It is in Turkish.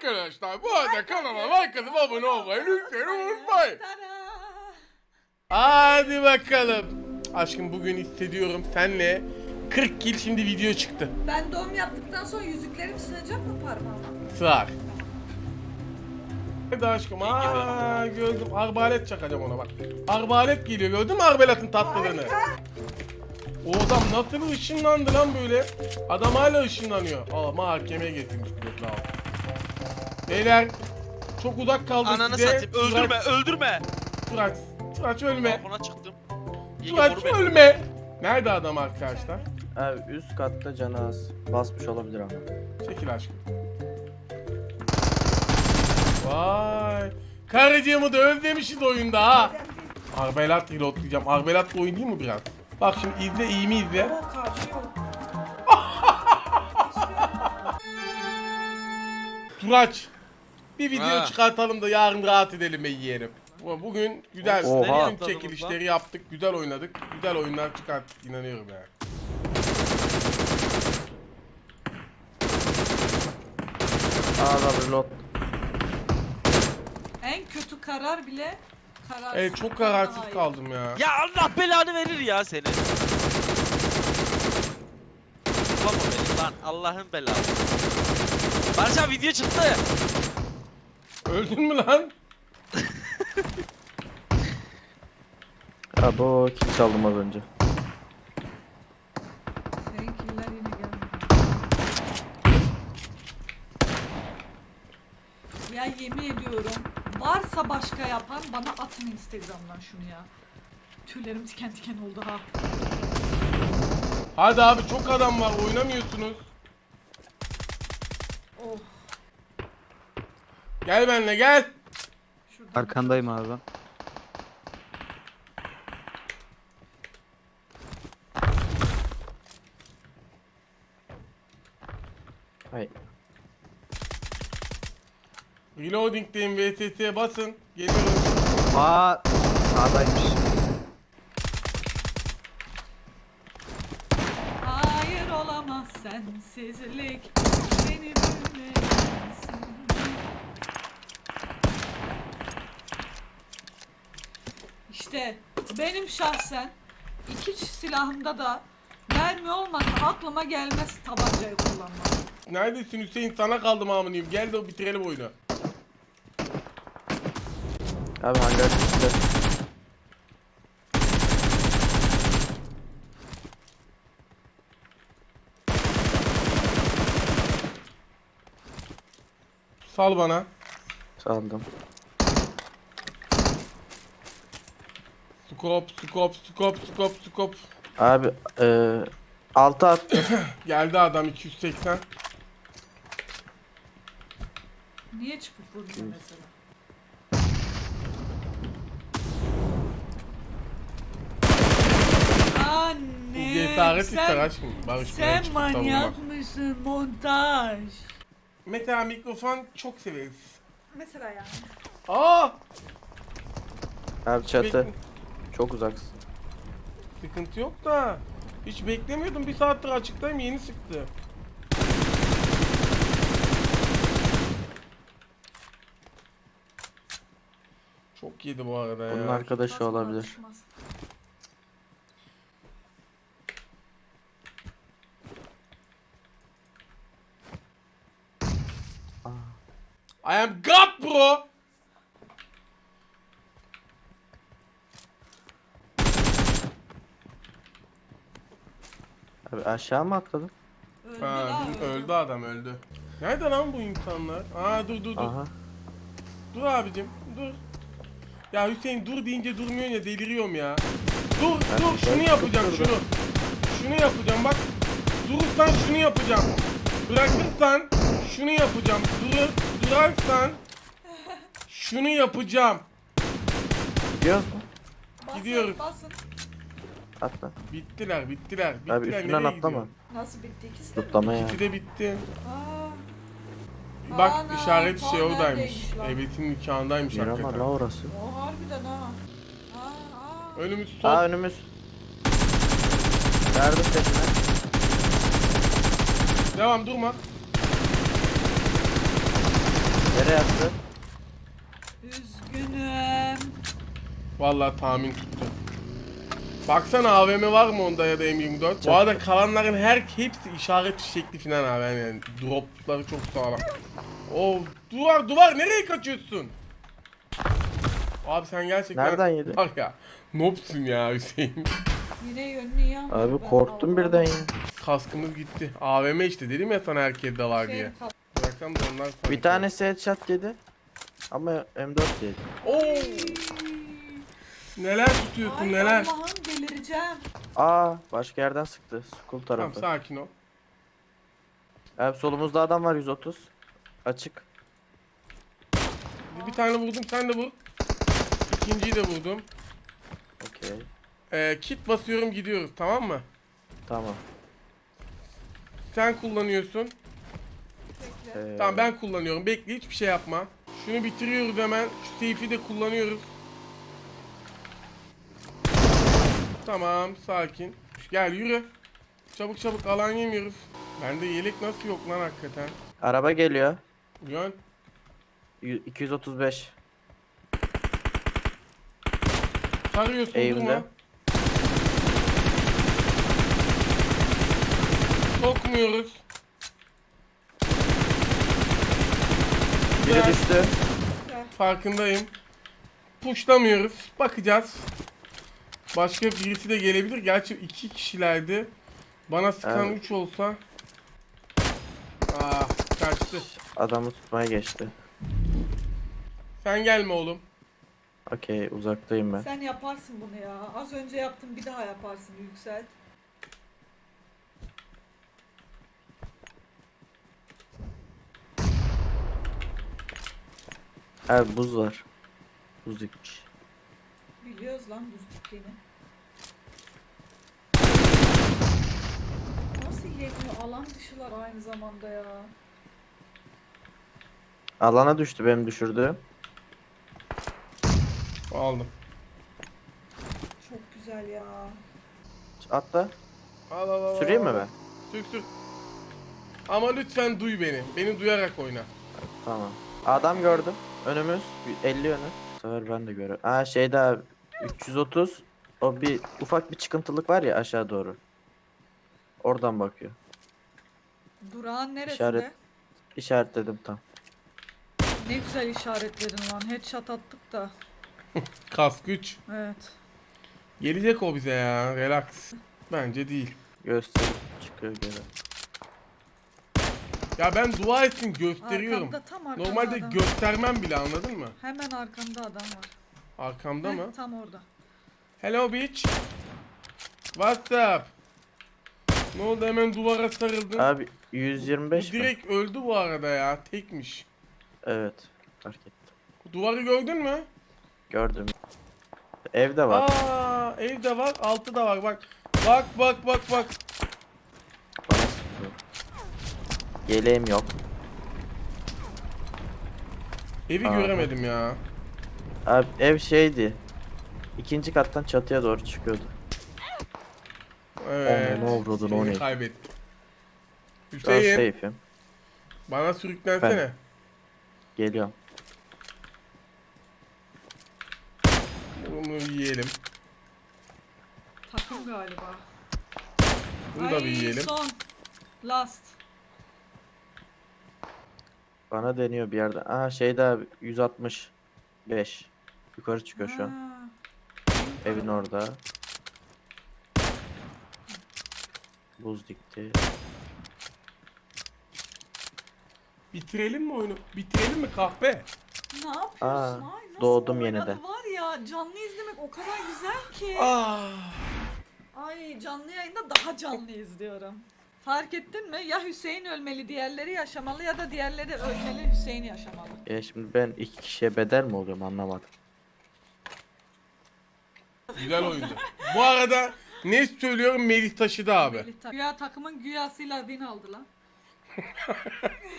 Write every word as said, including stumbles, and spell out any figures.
Arkadaşlar bu arada kanala like atıp abone olmayı lütfen unutmayın. Hadi bakalım. Aşkım bugün hissediyorum senle kırk kill şimdi video çıktı. Ben doğum yaptıktan sonra yüzüklerim sığacak mı parmağıma? Sığar. Hadi aşkım. Aa gördüm. Arbalet çakacağım ona bak. Arbalet geliyor, gördün mü arbaletin tatlılığını? O adam nasıl ışınlandı lan böyle? Adam hala ışınlanıyor. Aa mahkemeye getirmiş. Beyler çok uzak kaldım Ananı size. satayım. Öldürme, Turaç, öldürme. Turaç, Turaç ölme. Balkona çıktım. Yenge Turaç vur beni. ölme. Nerede adam arkadaşlar? Abi üst katta canı az. Basmış olabilir ama. Çekil aşkım. Vay. Karıcığımı da özlemişiz oyunda ha. Arbelat reloadlayacağım. Arbelatla oynayayım mı biraz? Bak şimdi izle, iyi mi izle? O karşı yok. Turaç. Bir video Ha. çıkartalım da yarın rahat edelim be yeğenim. Bugün güzel Oha. bütün çekilişleri yaptık. Güzel oynadık. Güzel oyunlar çıkarttık. İnanıyorum yani. Aa reload. En kötü karar bile kararsız. Evet çok kararsız kaldım ya. Ya Allah belanı verir ya seni. Baba beni lan Allah'ın belası. Barış abi video çıktı. Öldün mü lan? Abi o kill çaldım az önce. Seninkiler yine gelmedi. Ya yemin ediyorum varsa başka yapan bana atın Instagram'dan şunu ya. Tüylerim tiken tiken oldu ha. Hadi abi çok adam var, oynamıyorsunuz. Oh. Gel benimle gel. Şuradan. Arkandayım abi. Hay. Reloading'deyim, V S S'ye basın. Geliyorum. Aa, sağdaymış. Hayır olamaz sensizlik beni bilmezsin. İşte benim şahsen iki silahımda da mermi olmasa aklıma gelmez tabancayı kullanmak. Neredesin Hüseyin? Sana kaldım amınıyım. Gel de bitirelim oyunu. Abi hangar üstte. Sal bana. Saldım. Skop, skop, skop, skop, skop. Abi eee altı attı. Geldi adam iki yüz seksen. Niye çıkıp vurmuyor mesela? Anne Cesaret ister sen, aşkım. Barış buraya sen çıkıp savunmak. manyak mısın montaj? Mesela mikrofon çok severiz. Mesela yani. Aa! Abi çatı. Bek- Çok uzaksın. Sıkıntı yok da. Hiç beklemiyordum. Bir saattir açıktayım, yeni sıktı. Çok yedi bu arada ya. Onun arkadaşı Basma, olabilir. basmaz. I am God bro. Abi aşağı mı atladın? Öldü Ha, la, öldü. öldü adam öldü. Nerede lan bu insanlar? Aa dur dur dur. Aha. Dur abicim dur. Ya Hüseyin dur deyince durmuyorsun ya, deliriyorum ya. Dur Ben- dur şunu ben yapacağım çok şunu. Şunu yapacağım bak. Durursan şunu yapacağım. Bırakırsan şunu yapacağım. Durur, durarsan şunu yapacağım. Gidiyoruz mu? Basın, Gidiyoruz. Basın. Atla. Bittiler bittiler. bittiler. Abi üstünden Nereye atlama. gidiyor? Nasıl bitti ikisi de mi? Tutlama ya. İkisi de bitti. Aa, Bak Ana, işaret tam şey oradaymış. neredeymiş lan? Evet'in nikahındaymış Miramar hakikaten. la orası. o harbiden ha. Aa, aa. Önümüz sol. Aa önümüz. Verdim peşine. Devam durma. yattı. Üzgünüm. Vallahi tahmin tuttu. Baksana A V M var mı onda ya da M yirmi dört? Bu arada kalanların her hepsi işaret şekli falan abi yani dropları çok sağlam. Oo duvar duvar nereye kaçıyorsun? Abi sen gerçekten Nereden yedin? var ya nopsun ya Hüseyin. Yine yönlü ya. Abi Ben korktum Allah'ım. birden ya. Kaskımız gitti. A V M işte dedim ya sana herkeste var Şey, diye. kal- Bıraksam da onlar Bir panik tanesi headshot yedi. Ama M dört yedi. olur. Oo neler tutuyorsun Ay neler. Allah'ım delireceğim. Aa başka yerden sıktı. School Tamam tarafı. sakin ol. Abi solumuzda adam var yüz otuz. Açık. Bir, bir tane vurdum sen de vur. İkinciyi de vurdum. Okey. Ee, kit basıyorum gidiyoruz tamam mı? Tamam. Sen kullanıyorsun. Bekle. Ee, Tamam ben kullanıyorum. Bekle hiçbir şey yapma. Şunu bitiriyoruz hemen. Şu seyfi de kullanıyoruz. Tamam sakin. Gel yürü. Çabuk çabuk alan yemiyoruz. Bende yelek nasıl yok lan hakikaten. Araba geliyor. Yön. Y- iki yüz otuz beş. Sarıyorsun Eğimde. durma. Sokmuyoruz. Biri Güzel. düştü. Farkındayım. Puşlamıyoruz. Bakacağız. Başka birisi de gelebilir. Gerçi iki kişilerdi. Bana sıkan Evet. üç olsa. Ah kaçtı. Adamı tutmaya geçti. Sen gelme oğlum. Okey uzaktayım ben. Sen yaparsın bunu ya. Az önce yaptın bir daha yaparsın Yüksel. Abi buz var. Buz dikmiş. Biliyoruz lan buz gittiğini. Nasıl yetmiyor? Alan dışılar aynı zamanda ya. Alana düştü benim düşürdüğüm. Aldım. Çok güzel ya. Atla. Al al al. Süreyim al. mi ben? Sür sür. Ama lütfen duy beni. Beni duyarak oyna. Tamam. Adam gördüm. Önümüz. elli yönü. Bu sefer ben de görüyorum. Aa şeyde abi. üç yüz otuz. O bir ufak bir çıkıntılık var ya aşağı doğru. Oradan bakıyor. Durağın neresinde? İşaret. İşaretledim tam. Ne güzel işaretledin lan. Headshot attık da. Kask üç. Evet. Gelecek o bize ya. Relax. Bence değil. Gösterip çıkıyor geri. Ya ben dua etsin gösteriyorum. Arkamda, tam arkamda Normalde adam. göstermem bile anladın mı? Hemen arkamda adam var. Arkamda Heh, mı? Tam orada. Hello bitch. What's up? Ne oldu hemen duvara sarıldın? Abi yüz yirmi Bu beş mi? direkt öldü bu arada ya. Tekmiş. Evet. Fark ettim. Duvarı gördün mü? Gördüm. Evde var. Aa, evde var, altı da var. Bak. Bak bak bak bak. Bana sıkıyor. Yeleğim yok. Evi Aa, göremedim ya. Abi ev şeydi. İkinci kattan çatıya doğru çıkıyordu. Evet. Onu ne avradın, Seni o ne? kaybettim. Ben Hüseyin safe'im. bana sürüklensene. Geliyorum. Bunu yiyelim. Takım galiba. Bunu da bir yiyelim. Son. Last. Bana deniyor bir yerden. Aa şeyde abi yüz altmış beş. Yukarı çıkıyor şu an. Ha. Evin orada. Buz dikti. Bitirelim mi oyunu? Bitirelim mi kahpe? Ne yapıyorsun? Aa, Ay, nasıl doğdum oynadı yeniden. Var ya canlı izlemek o kadar güzel ki. Ah. Ay canlı yayında daha canlı izliyorum. Fark ettin mi? Ya Hüseyin ölmeli, diğerleri yaşamalı ya da diğerleri ölmeli, Hüseyin yaşamalı. Ya şimdi ben iki kişiye bedel mi oluyorum anlamadım. Güzel oyundu. Bu arada ne söylüyorum Melih taşıdı abi. Melih Ta- Güya takımın güyasıyla win aldı lan.